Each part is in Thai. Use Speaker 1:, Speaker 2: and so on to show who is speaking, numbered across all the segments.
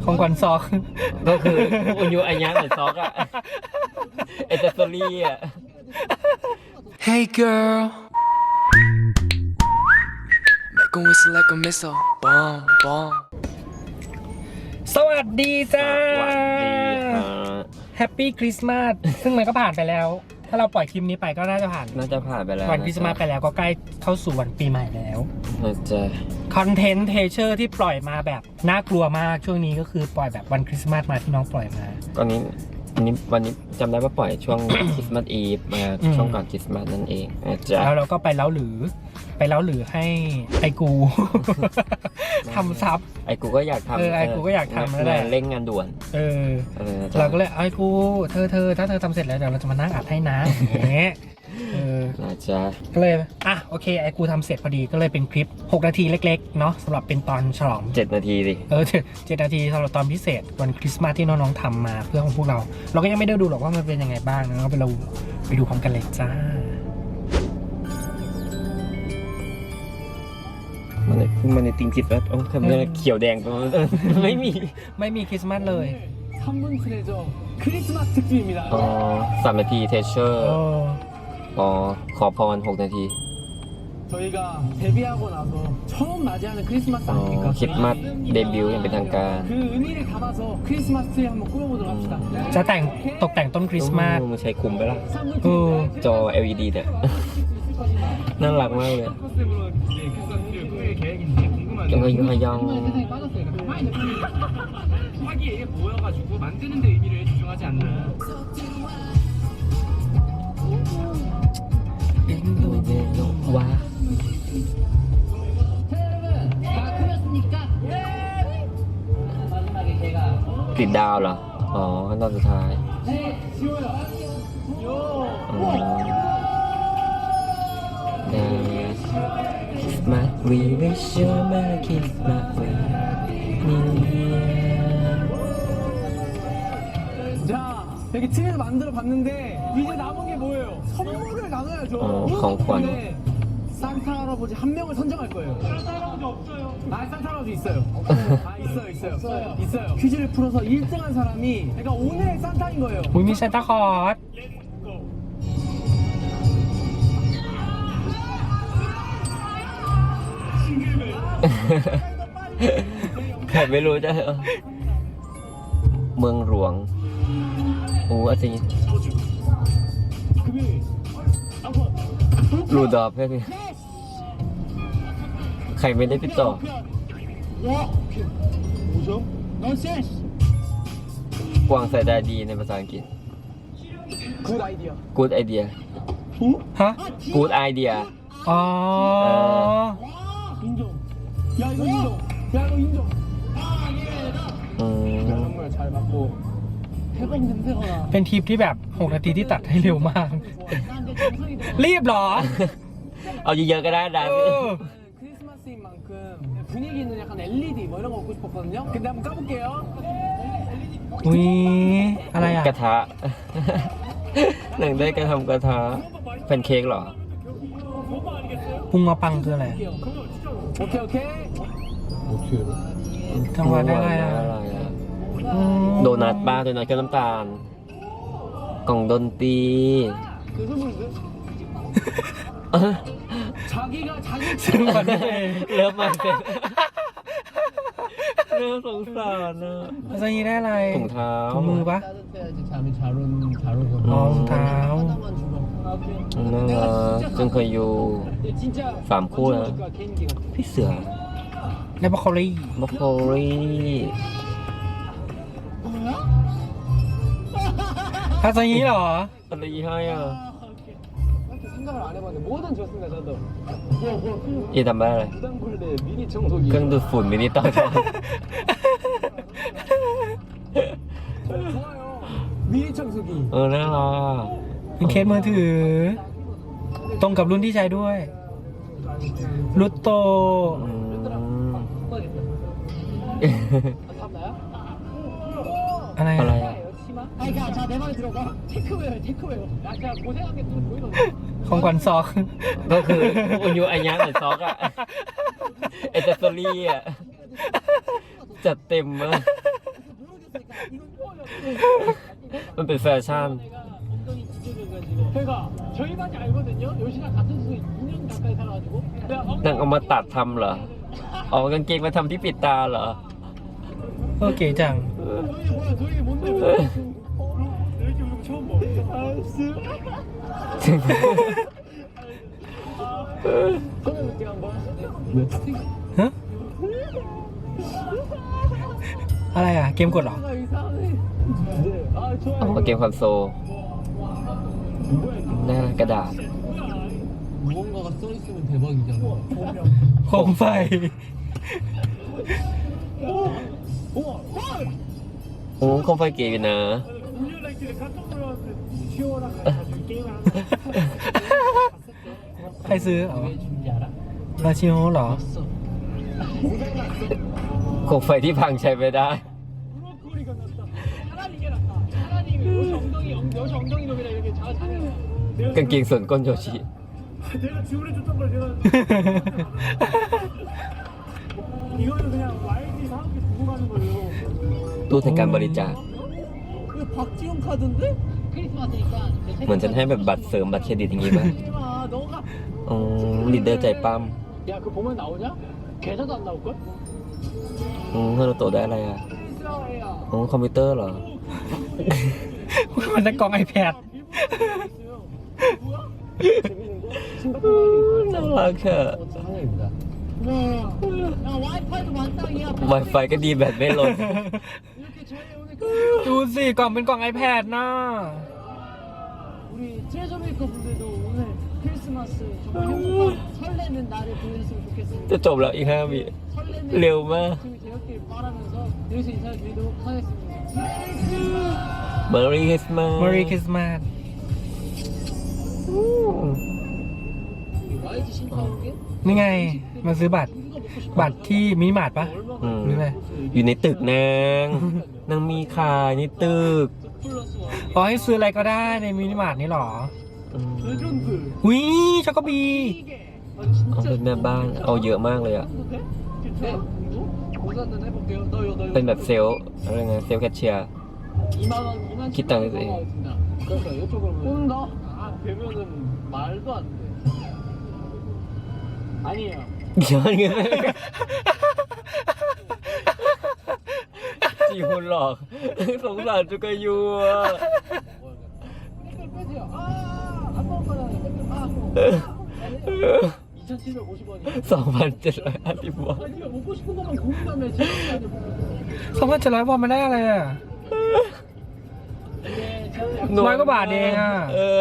Speaker 1: ของขวัญซอก
Speaker 2: ก็คืออุยุอัญญะเหมือนซอกอะเอเจสซอรี่อะ
Speaker 3: Hey girl, make 'em whistle like a missile. Bomb, bomb.
Speaker 1: สวัสดีจ้า
Speaker 2: สวัสดีค่ะ
Speaker 1: แฮปปี้คริสต์มาสซึ่งมันก็ผ่านไปแล้ว ถ้าเราปล่อยคลิปนี้ไปก็น่าจะผ่าน
Speaker 2: น่าจะผ่านไปแล้ว
Speaker 1: วันคริสต์มาสไปแล้วก็ใกล้เข้าสู่วันปีใหม่แล้ว
Speaker 2: น่าจะ
Speaker 1: คอนเทนต์เทเชอร์ที่ปล่อยมาแบบน่ากลัวมากช่วงนี้ก็คือปล่อยแบบวันคริสต์มาสมาที่น้องปล่อยมา
Speaker 2: ตอนนี้วันนี้จำได้ว่าปล่อยช่วง คริสต์มาสอีฟมาช่วงก่อนคริสต์มาสนั่นเองนะจ๊ะ
Speaker 1: แล้วเราก็ไปเล้าหรือให้ไอกู ทำซับ
Speaker 2: ไอ้กูก็อยากทำ
Speaker 1: ไอ้กูก็อยากทำแล้วแหละ
Speaker 2: งานเร่งงานด่วน
Speaker 1: เราก็เลยไอ้กูเธอถ้าเธอทำเสร็จแล้วเดี๋ยวเราจะมานั่งอัดให้นะอย่างเงี้ย
Speaker 2: นะจ๊ะ
Speaker 1: ก็เลยโอเคไอ้กูทำเสร็จพอดีก็เลยเป็นคลิป6 นาทีเล็กๆเนาะสำหรับเป็นตอนฉลอง
Speaker 2: 7 นาทีดิ
Speaker 1: 7 นาทีสำหรับตอนพิเศษวันคริสต์มาสที่น้องๆทำมาเพื่อของพวกเราก็ยังไม่ได้ดูหรอกว่ามันเป็นยังไงบ้างนะก็ไปดูพร้อมกันเลยจ้า
Speaker 2: มันในติงจิตแล้วทำไมเขียวแดงตรงนั้นไม่มี
Speaker 1: คริสต์มาสเลย
Speaker 4: 3분 트레저 크리스마스 특집입니다.
Speaker 2: 3 นาทีเทเชอร์ขอพร6 นาที
Speaker 4: 저희가 데뷔하고 나서 처음 맞이하는 크리스마스 아닙니까?
Speaker 2: คริสต์มาสเดบิวต์อย่างเป็นทางการ
Speaker 4: 그 의미를 담아서 크리스마스 트리 한번 꾸며보도록 합시다.
Speaker 1: จะตกแต่งต้นคริสต์มาส
Speaker 2: มันใช้คุมไปละ
Speaker 4: 3분
Speaker 1: เออ
Speaker 2: จอ LED เนี่ยน่ารักมากเลย
Speaker 4: 컨셉으로 크리스마스 트리를 꾸밀 계획인지 궁금한데
Speaker 2: ยังยัง
Speaker 4: 세상에 빠졌어요. 가만히 화기에 모여가지고 만드는 데 의미를 주중하지 않나요?
Speaker 2: ว้า
Speaker 4: 다 크셨습니까? 마지막에 제가
Speaker 2: ติดดาวเหรอขั้นตอนสุดท้าย
Speaker 4: 네, 지워요. 요.
Speaker 2: Christmas we wish you a Merry Christmas New Year
Speaker 4: 자, 이렇게 TV에서 만들어 봤는데 이제 남은 게 뭐예요? 선물을 나눠야죠.
Speaker 2: 공권.
Speaker 4: 근데 산타 할아버지 한 명을 선정할 거예요. 산타 할아버지 없어요. 산타 할아버지 있어요. 있어요. 퀴즈를 풀어서 1등한 사람이 그러니까 오늘의 산타인 거예요.
Speaker 1: อุ้ยมีซานตาคลอส
Speaker 2: ใครไม่รู้จะเมืองหลวงอาจารย์
Speaker 4: 금요일.
Speaker 2: รูดอฟแค่นี้ใครไม่ได้ติดต่อ
Speaker 4: 뭐죠? 넌센스.
Speaker 2: กวางสายตาดีในภาษาอังกฤษ
Speaker 4: 굿 아이디어.
Speaker 2: Good idea
Speaker 1: ฮะ
Speaker 2: Good idea
Speaker 1: อ๋อ
Speaker 4: 인정. 야 이거 인정. 야 이거 인정.
Speaker 2: อืม
Speaker 4: 정말 잘 맞고 해방 냄새가 나.
Speaker 1: เป็นทริปที่แบบ6 นาทีที่ตัดให้เร็วมาก
Speaker 4: 나한테 정성이 들어.
Speaker 1: รีบเหรอ
Speaker 2: เอาเยอะๆก็ได้นะ
Speaker 4: 크리스마스인 만큼 분위기는 약간 LED 뭐 이런 거 먹고 싶었거든요. 근데 한번 까볼게요.
Speaker 1: อุ้ยอะไรอ่ะ
Speaker 2: กระทะ หนังได้กระทำกระทะแพนเค้กเหรอ
Speaker 1: พุงมาปังคืออะไร
Speaker 4: 오케이 오케이.
Speaker 1: จังหวะได้อะไรอ่ะ อืม
Speaker 2: โดนัทบ้าโดนัทกับน้ำตาล กล่องดนตรี
Speaker 4: 그 선물인데? 자기가 자기
Speaker 1: ซึ่งมันเอง
Speaker 2: เริ่มมาเป็นเริ่มสงสารนะ
Speaker 1: ภาษานี้ได้อะไร
Speaker 2: ถุงเท้า
Speaker 1: ถุงมือปะ
Speaker 4: 따뜻해야지 잠이 잘 오거든.
Speaker 1: รองเท้า
Speaker 4: 하나만 주고. 오케이.
Speaker 2: น่ารักจึงเคยอยู่
Speaker 4: 근데 진짜
Speaker 2: 3 คู่แล้ว
Speaker 4: 거야, 개인기가.
Speaker 2: พี่เสือ
Speaker 1: ในบรอกโคลี
Speaker 2: บล็อกโคลี่
Speaker 1: ภาษานี้เหรอ
Speaker 2: อะไรให้อ่ะ
Speaker 4: 이렇게 생각을 안 해봤는데 뭐든 좋습니다 저도.
Speaker 2: อีทำได้อะไร
Speaker 4: 부담굴레 미니 청소기.
Speaker 2: เครื่องดูดฝุ่นมินิต่อจอ
Speaker 4: 좋아요. 미니 청소기.
Speaker 2: น่ารัก
Speaker 1: เป็นเคสมือถือ ตรงกับรุ่นที่ใช้ด้วยรุตโต
Speaker 2: อืม
Speaker 4: tab나요?
Speaker 1: อะไร
Speaker 2: อะไร
Speaker 1: อ่ะ
Speaker 2: อ่ะ
Speaker 4: 치마? 아니 그냥 자내 말에 들어봐. 테크웨어. 야 제가 고생한 게 보이던데.
Speaker 1: ของขวัญซอก
Speaker 2: ก็คืออุยุอัญญะเหมือนซอกอะเอเจสซอรี่อะจัดเต็มมากมันเป็นแฟชั่น
Speaker 4: 엉덩이 지져져가지고 그러니까 저희 반이 알거든요. 요시랑 같은 수도 2년 가까이 살아가지고
Speaker 2: นางเอามาตัดทำเหรอเอากางเกงมาทำที่ปิดตาเหรอ
Speaker 1: โอเคจัง
Speaker 4: 저희 뭐야 저희 뭔데 이렇게 우리 처음 봐. 그러면 제가 한번
Speaker 1: ฮะ อะไรอ่ะ เกมกดเหรอ
Speaker 4: 아 이상해. 네. 아
Speaker 2: เอา
Speaker 4: 좋아요.
Speaker 2: มาเกมคอนโซลหน้ากระดาษ
Speaker 4: 무언가가 써 있으면 대박이잖아.
Speaker 1: โคมไฟ
Speaker 4: 우와.
Speaker 2: โอ้คอมไฟเก๋อยู่นะ
Speaker 4: 울려라 길에 깜짝 놀랐는데 튀어라 가지고 게임을 하는
Speaker 1: ใครซื้อเหรอ
Speaker 4: 왜 준지 알아?
Speaker 1: ราชิโอเหรอ
Speaker 4: 봤어.
Speaker 2: โคมไฟที่พังใช้ไม่ได้
Speaker 4: 브로콜리가 낫다. 차라리 이게 낫다. 차라리 여시 엉덩이 놈이라 이렇게 잘해.
Speaker 2: กางเกงส่วนก้นโยชิ
Speaker 4: 내가 지원해줬던 걸 내가 이거는 그냥 YG 사람들 두고 가는 거예요.
Speaker 2: ตู้แทนการบริจาค
Speaker 4: 이거 박지용 카드인데? 크리스마스니까.
Speaker 2: เหมือนฉันให้แบบบัตรเสริมบัตรเครดิตอย่างงี้ป่ะ
Speaker 4: 마 너가.
Speaker 2: อ๋อลีดเดอร์ใจปั้ม
Speaker 4: 야 그거 보면 나오냐? 계좌도 안 나올 걸?
Speaker 2: ฮารุโตะได้อะไรอ่ะ
Speaker 4: 이스라엘이야.
Speaker 2: อ๋อคอมพิวเตอร์เหรอ
Speaker 1: มันได้กล่อง iPad
Speaker 4: 뭐야? 재밌는 거? 싱가포르
Speaker 2: น่ารักอะ
Speaker 4: 상황입니다. 야 와이파이도 만땅이야.
Speaker 2: Wi-Fi ก็ดีแบตไม่ลด
Speaker 4: 이렇게 저희 오늘
Speaker 1: ดูสิ กล่องเป็นกล่อง iPad นะ
Speaker 4: 우리 트레저 메이커 분들도 오늘 크리스마스 정말 행복한 설레는 날을 보냈으면 좋겠습니다.
Speaker 2: จะจบแล้วอีก5 วิ
Speaker 4: 설레는
Speaker 2: ร็วมาก
Speaker 4: 아침이 되었길 바라면서 여기서 인사를 드리도록 하겠습니다.
Speaker 2: Merry Christmas
Speaker 1: Merry Christmas
Speaker 4: YG 신파오게
Speaker 1: นี่ไง มาซื้อบัตร บัตรที่มินิมาร์ทปะ
Speaker 2: อืม
Speaker 1: หรืออะไร
Speaker 2: อยู่ในตึกนางนางมีขายในตึก
Speaker 4: 플러스 와
Speaker 1: อ๋อให้ซื้ออะไรก็ได้ในมินิมาร์ทนี่หรอ
Speaker 2: อืม
Speaker 4: 레전드
Speaker 1: อุ้ยช็อกโกบี
Speaker 4: 이게 아
Speaker 2: เอา
Speaker 4: 진짜
Speaker 2: เป็นแม่บ้านเอาเยอะมากเลยอ่ะ
Speaker 4: 돼? 네? 고산은 해볼게요. 너요.
Speaker 2: เป็นแบบเซลล์อะไรไงเซลล์แคชเชียร์
Speaker 4: 2만 원, 2만
Speaker 2: 기타 해도 돼.
Speaker 4: 그러니까 이쪽으로 온다? 아 되면은 말도 안 돼. 아니에요.
Speaker 2: ย้อนเงินจีฮุนหลอกสงสารจุกายูอ่ะ
Speaker 4: 댓글 빼세요. 아안 먹을 거잖아요. 아 2,750원이야.
Speaker 2: 2,750 วอน
Speaker 4: 아 네가 먹고 싶은 것만 고민하면 지금까지
Speaker 1: 2,700 วอนมาได้อะไรอ่ะ
Speaker 4: 이게 제가
Speaker 1: น้อยกว่าบาทเองอ่ะ
Speaker 2: เออ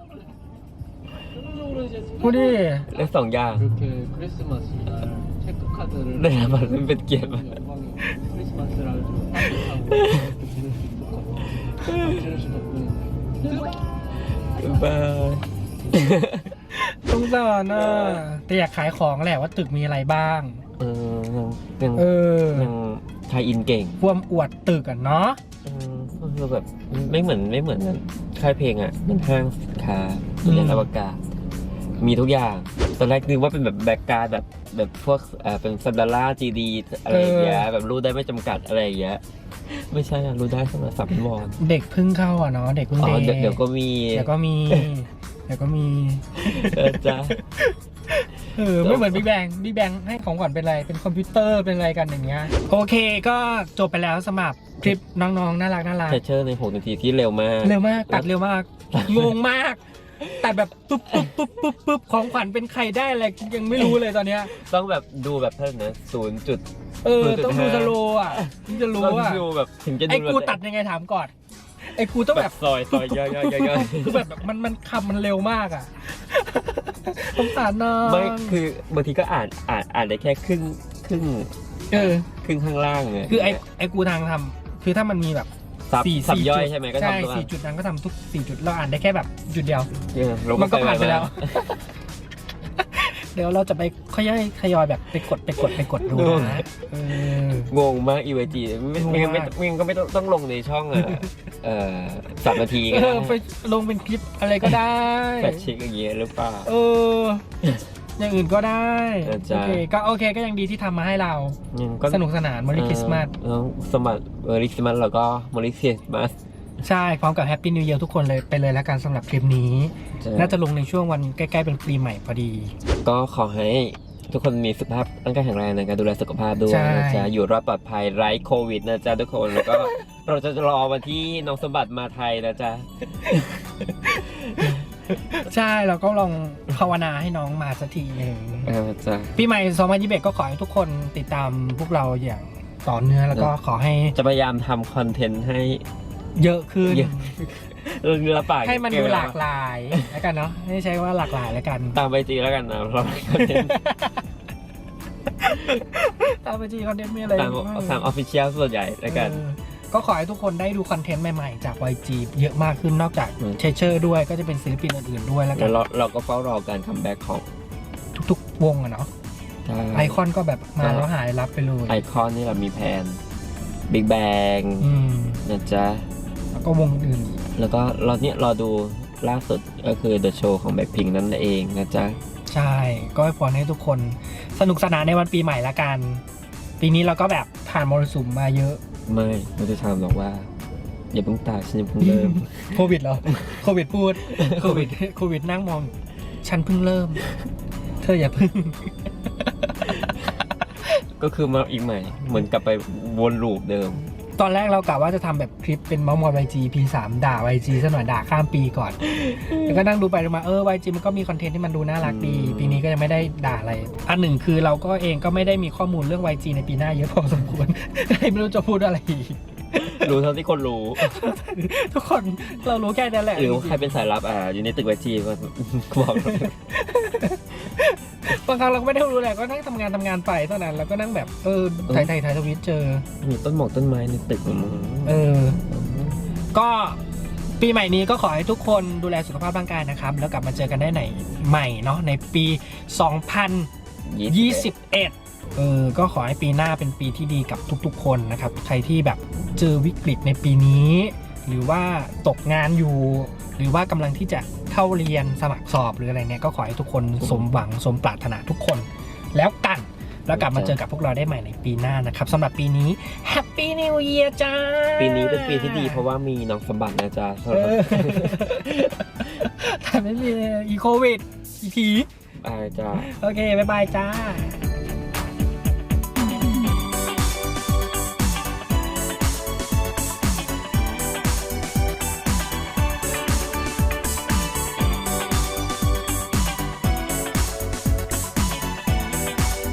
Speaker 4: 결론적으로 이제
Speaker 1: พูดดิ
Speaker 2: เลข2 อย่าง
Speaker 4: 이렇게 크리스마스 날 체크 카드를
Speaker 2: ได้รับมันเป็นเกียรติมาก
Speaker 4: 영광이고 크리스마스를 아주 따뜻하고 이렇게 지낼 수 있었거든요. 지낼 수 덕분에.
Speaker 2: บาย
Speaker 1: สงสารน่ะแต่อยากขายของแหละว่าตึกมีอะไรบ้าง
Speaker 2: เออยัง
Speaker 1: เออ
Speaker 2: ยังไทยอินเก่ง
Speaker 1: ความอวดตึกอ่ะเนาะ
Speaker 2: คือแบบไม่เหมือนค่ายเพลงอ่ะมันห้างสินค้าเรียนอวกาศ มีทุกอย่าง ตอนแรกนึกว่าเป็นแบบแบ็กการ์ดแบบพวกเป็นซันดาร่าจีดีอะไรอย่างเงี้ยแบบรู้ได้ไม่จำกัดอะไรอย่างเงี้ยไม่ใช่อะรู้ได้สำหรับ3 วอน
Speaker 1: เด็กเพิ่งเข้าอ่ะเนาะเด็กเพิ่ง
Speaker 2: อ๋อ
Speaker 1: เด็ก
Speaker 2: เดี๋ยวก็มี
Speaker 1: เดี๋ยวก็มีเดี๋ยวก็มี
Speaker 2: จ้า
Speaker 1: ไม่เหมือนบิ๊กแบงให้ของขวัญเป็นอะไร เป็นคอมพิวเตอร์เป็นอะไรกันอย่างเงี้ย โอเคก็จบไปแล้วสำหรับคลิปน้องๆน่ารัก
Speaker 2: เทเชอร์ใน6 นาทีที่เร็วมาก
Speaker 1: เร็วมากตัดเร็วมากงงมากตัดแบบปุ๊บของขวัญเป็นใครได้อะไรยังไม่รู้เลยตอนเนี้ย
Speaker 2: ต้องแบบดูแบบเท่านั้นนะ
Speaker 1: ต้องดูสโลว์อ่ะถึงจะรู้
Speaker 2: ต้อง
Speaker 1: อ่ะ
Speaker 2: ดูแบบถึงจะดู
Speaker 1: ไอ้กูตัดยังไงถามก่อนไอ้กูต้อง
Speaker 2: แบ
Speaker 1: แบบ
Speaker 2: บซอยย่อยๆ
Speaker 1: คือแบบมันคำมันเร็วมากอ่ะสงสารน้อง
Speaker 2: ไม่คือบางทีก็อ่านได้แค่ครึ่ง
Speaker 1: เออ
Speaker 2: ข้างล่างไง
Speaker 1: คือไอ้กูทางทำคือถ้ามันมีแบบ
Speaker 2: สับย่อย
Speaker 1: จุด
Speaker 2: ใช่ไหมก็
Speaker 1: ใช่
Speaker 2: ทำตัว
Speaker 1: 4 จุดนั้นก็ทำทุก4 จุดเราอ่านได้แค่แบบจุดเดียว
Speaker 2: ลง
Speaker 1: มันก็ผ่านไปแล้ว
Speaker 2: มา
Speaker 1: เดี๋ยวเราจะไปค่อยๆทยอยแบบไปกดดูนะเออง
Speaker 2: งมากอีเวจีไม่
Speaker 1: งงมาก
Speaker 2: ไม่ต้องลงในช่อง3 นาทีก็
Speaker 1: ไปลงเป็นคลิปอะไรก็ได้
Speaker 2: แฟชเช็คอย่างเงี้ยหรือเปล่า
Speaker 1: เอออย่างอื่นก็ได้
Speaker 2: นะ
Speaker 1: โอ
Speaker 2: จ๊ะ
Speaker 1: เคก็ยังดีที่ทำมาให้เรา
Speaker 2: ยังก็
Speaker 1: สนุกสนานม e ริคริสต์มาส
Speaker 2: สมัครคริสต์มาสแล้วก็มอริคริสต์มาส
Speaker 1: ใช่พร้อมกับแฮปปี้นิว e ย r ทุกคนเลยไปเลยแล้วกันสำหรับคลิปนี้ น่าจะลงในช่วงวันใกล้ๆเป็นปีใหม่พอดี
Speaker 2: ก็ขอให้ทุกคนมีสุขภาพร่างกายแข็งแรงในการดูแลสุขภาพด้วย
Speaker 1: ใช่
Speaker 2: นะจ๊ะอยู่รอดปลอดภัยไร้โควิดนะจ๊ะทุกคนแล้วก็ เราจะรอวันที่น้องสมบัติมาไทยนะจ๊ะ
Speaker 1: ใช่เราก็ลองภาวนาให้น้องมาสักทีหนึ่ง
Speaker 2: จ๊ะ
Speaker 1: ปีใหม่2021ก็ขอให้ทุกคนติดตามพวกเราอย่างต่อเนื่องแล้วก็ขอให้
Speaker 2: จะพยายามทำคอนเทนต์ให้
Speaker 1: เยอะขึ้น
Speaker 2: เยอะ ละปาก
Speaker 1: ให้มันดูหลากหลายแล้วกันเนาะให้ใช้ว่าหลากหลายแล้วกัน
Speaker 2: ตามไปจีแล้วกันนะเราคอนเทนต์
Speaker 1: ตามไปจีคอนเทนต์มีอะไร
Speaker 2: ตามออฟฟิเชียลส่วนใหญ่แล้วกัน
Speaker 1: ก็ขอให้ทุกคนได้ดูคอนเทนต์ใหม่ๆจาก YG เยอะมากขึ้นนอกจาก
Speaker 2: อืม
Speaker 1: เชเชอร์ด้วยก็จะเป็นศิลปินอื่นๆด้วยแล้วกั
Speaker 2: แล้
Speaker 1: น
Speaker 2: วเราก็เฝ้ารอการคัมแบ็กของ
Speaker 1: ทุกๆวงอะเนาะไอคอนก็แบบมาแล้วหายรับไปเลย
Speaker 2: ไอคอนนี่เรามีแพนบิ๊กแบง
Speaker 1: อืม
Speaker 2: นะจ๊ะ
Speaker 1: แล้วก็วงอื่นอีก
Speaker 2: แล้วก็รอดูล่าสุดก็คือ The Show ของ Blackpink นั่นเองนะจ๊ะ
Speaker 1: ใช่ ก็ให้พรให้ทุกคนสนุกสนานในวันปีใหม่ละกัน ปีนี้เราก็แบบผ่านมรสุมมาเยอะ
Speaker 2: ไม่จะถามหรอกว่า อย่าเพิ่งตายฉันยังเพิ่งเริ่ม
Speaker 1: โควิดเหรอ โควิดพูด โควิดนั่งมอง ฉันเพิ่งเริ่ม เธออย่าเพิ่ง
Speaker 2: ก็คือมาอีกใหม่ เหมือนกลับไปวนลูปเดิม
Speaker 1: ตอนแรกเรากะว่าจะทำแบบคลิปเป็นเมาส์มอย YG P3 ด่า YG ซะหน่อยด่าข้ามปีก่อน แล้วก็นั่งดูไปดูมาYG มันก็มีคอนเทนต์ที่มันดูน่ารักดี ปีนี้ก็ยังไม่ได้ด่าอะไร อันหนึ่งคือเราก็เองก็ไม่ได้มีข้อมูลเรื่อง YG ในปีหน้าเยอะพอสมควร ไม่รู้จะพูดอะไรอีก
Speaker 2: รู้เท่าที่คนรู้
Speaker 1: ทุกคนเรารู้แค่นั้นแหละ
Speaker 2: หรือว่าใครเป็นสายลับอยู่ในตึกไวจีก็บอกเรา
Speaker 1: บางครั้งเราก็ไม่ได้รู้แหละก็นั่งทำงานไปเท่านั้นแล้วก็นั่งแบบถ่ายทวิตเจอ
Speaker 2: มีต้นหมอกต้นไม้ในตึกของมึง
Speaker 1: ก็ปีใหม่นี้ก็ขอให้ทุกคนดูแลสุขภาพร่างกายนะครับ แล้วกลับมาเจอกันได้ในใหม่เนาะในปี 2021 ก็ขอให้ปีหน้าเป็นปีที่ดีกับทุกๆคนนะครับ ใครที่แบบเจอวิกฤตในปีนี้ หรือว่าตกงานอยู่ หรือว่ากำลังที่จะเข้าเรียนสมัครสอบหรืออะไรเนี่ยก็ขอให้ทุกคนสมหวังสมปรารถนาทุกคนแล้วกัน แล้วกลับมาเจอกับพวกเราได้ใหม่ในปีหน้านะครับสำหรับปีนี้ Happy New Year จ้า
Speaker 2: ปีนี้เป็นปีที่ดีเพราะว่ามีน้องสมบัตินะจ๊ะ
Speaker 1: แต่ไม่มีอีโควิดอีผี
Speaker 2: จ้า
Speaker 1: โอเค บ๊ายบายจ้า